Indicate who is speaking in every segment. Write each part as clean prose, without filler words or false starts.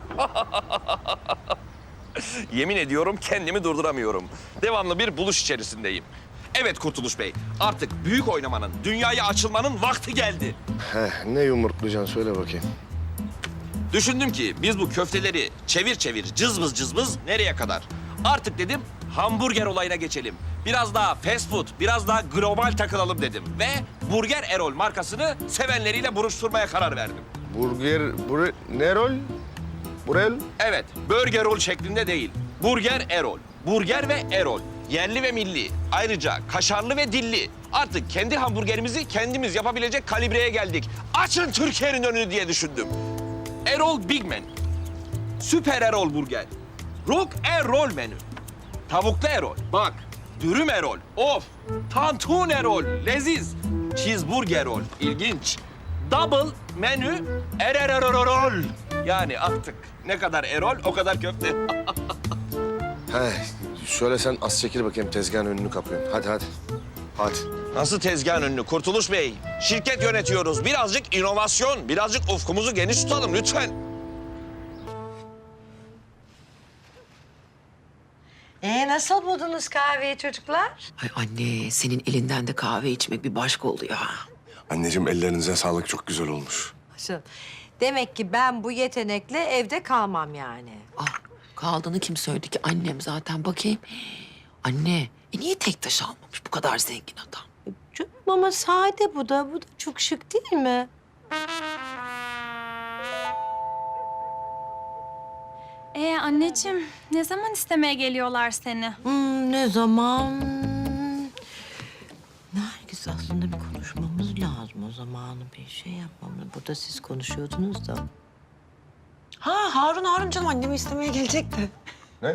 Speaker 1: Yemin ediyorum kendimi durduramıyorum. Devamlı bir buluş içerisindeyim. Evet Kurtuluş Bey, artık büyük oynamanın, dünyaya açılmanın vakti geldi.
Speaker 2: Ne yumurtlayacaksın söyle bakayım.
Speaker 1: Düşündüm ki biz bu köfteleri çevir çevir, cızbız cızbız nereye kadar? Artık dedim hamburger olayına geçelim. Biraz daha fast food, biraz daha global takılalım dedim. Ve Burger Erol markasını sevenleriyle buruşturmaya karar verdim.
Speaker 2: Ne rol? Burel?
Speaker 1: Evet, Burger Roll şeklinde değil. Burger Erol. Burger ve Erol. Yerli ve milli. Ayrıca kaşarlı ve dilli. Artık kendi hamburgerimizi kendimiz yapabilecek kalibreye geldik. Açın Türkiye'nin önünü diye düşündüm. Erol Big Man. Süper Erol Burger. Rock Erol menü. Tavuklu Erol. Bak. Dürüm Erol. Of. Tantun Erol. Leziz. Cheeseburger Erol. İlginç. Double menü Erol. Yani artık ne kadar Erol o kadar köfte.
Speaker 2: Şöyle sen az çekil bakayım tezgahın önünü kapıyorum. Hadi. Hadi.
Speaker 1: Nasıl tezgahın önünü Kurtuluş Bey? Şirket yönetiyoruz. Birazcık inovasyon, birazcık ufkumuzu geniş tutalım lütfen.
Speaker 3: Nasıl buldunuz kahveyi çocuklar?
Speaker 4: Ay anne, senin elinden de kahve içmek bir başka oluyor ha.
Speaker 2: Anneciğim ellerinize sağlık, çok güzel olmuş.
Speaker 3: Demek ki ben bu yetenekle evde kalmam yani.
Speaker 4: Ah, kaldığını kim söyledi ki? Annem zaten. Bakayım. Anne, niye tek taş almamış bu kadar zengin adam?
Speaker 3: Canım ama sade bu da çok şık değil mi?
Speaker 5: Anneciğim, ne zaman istemeye geliyorlar seni?
Speaker 3: Ne zaman? Nergis aslında bir konuşmamız lazım o zamanı bir şey yapmamız. Burada siz konuşuyordunuz da.
Speaker 4: Harun canım annemi istemeye gelecekti.
Speaker 2: Ne?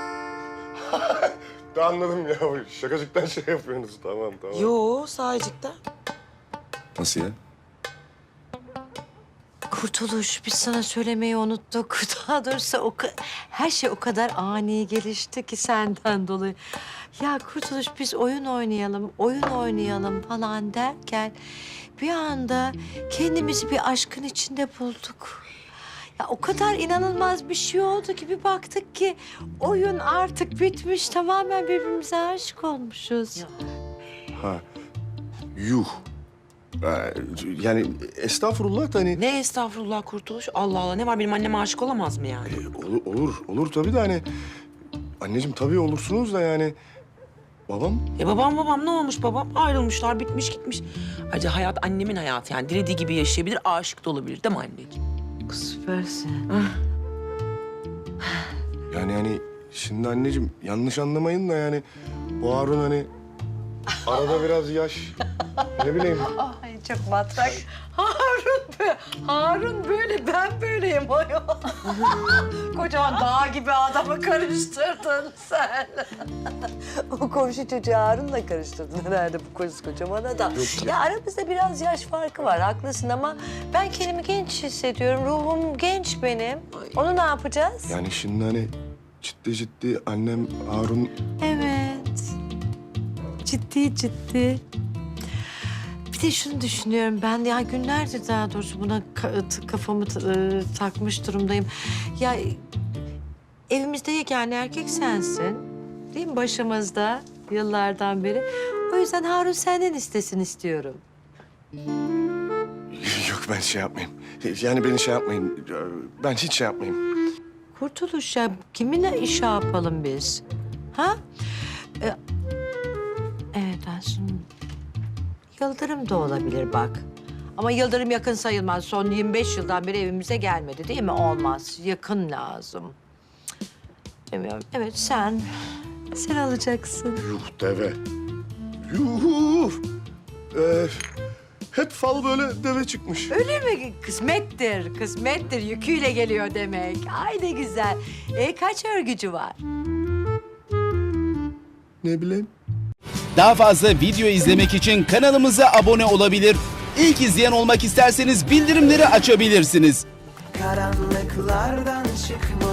Speaker 2: Da anladım ya. Şakacıktan şey yapıyorsunuz. Tamam.
Speaker 4: Yo, sahicikten.
Speaker 2: Nasıl ya?
Speaker 3: Kurtuluş, biz sana söylemeyi unuttuk. Daha doğrusu her şey o kadar ani gelişti ki senden dolayı. Ya Kurtuluş, biz oyun oynayalım falan derken bir anda kendimizi bir aşkın içinde bulduk. Ya o kadar inanılmaz bir şey oldu ki bir baktık ki oyun artık bitmiş, tamamen birbirimize aşık olmuşuz.
Speaker 2: Yuh. Yani estağfurullah da hani...
Speaker 4: Ne estağfurullah Kurtuluş? Allah Allah, ne var, benim anneme aşık olamaz mı yani?
Speaker 2: Olur tabii de hani... Anneciğim tabii olursunuz da yani... Babam?
Speaker 4: Babam ne olmuş babam? Ayrılmışlar, bitmiş gitmiş. Ayrıca hayat annemin hayatı yani. Dilediği gibi yaşayabilir, aşık da olabilir değil mi anneciğim?
Speaker 3: Süpersin.
Speaker 2: Yani şimdi anneciğim yanlış anlamayın da yani... Bu Harun hani... Arada biraz yaş... Ne bileyim...
Speaker 3: Ay çok matrak. Harun böyle, ben böyleyim. Kocaman dağ gibi adamı karıştırdın sen. O komşu çocuğu Harun'la karıştırdın herhalde bu kocaman adam. Ya aramızda biraz yaş farkı var, haklısın ama ben kendimi genç hissediyorum. Ruhum genç benim. Onu ne yapacağız?
Speaker 2: Yani şimdi hani ciddi annem Harun...
Speaker 3: Evet. Ciddi. Bir de şunu düşünüyorum ben, ya günlerdir daha doğrusu buna kafamı takmış durumdayım. Ya evimizde yegane erkek sensin, değil mi, başımızda yıllardan beri. O yüzden Harun senden istesin istiyorum.
Speaker 2: Yok ben şey yapmayayım. Yani beni şey yapmayın. Ben hiç şey yapmayayım.
Speaker 3: Kurtuluş ya, kiminle iş yapalım biz? Ha? Evet aslında Yıldırım da olabilir bak. Ama Yıldırım yakın sayılmaz. Son 25 yıldan beri evimize gelmedi değil mi? Olmaz. Yakın lazım. Bilmiyorum. Evet sen alacaksın.
Speaker 2: Yuh deve. Yuh. Hep fal böyle deve çıkmış.
Speaker 3: Öyle mi? Kısmettir. Yüküyle geliyor demek. Ay ne güzel. Kaç örgücü var?
Speaker 2: Ne bileyim.
Speaker 6: Daha fazla video izlemek için kanalımıza abone olabilir. İlk izleyen olmak isterseniz bildirimleri açabilirsiniz.
Speaker 7: Karanlıklardan çıkmalı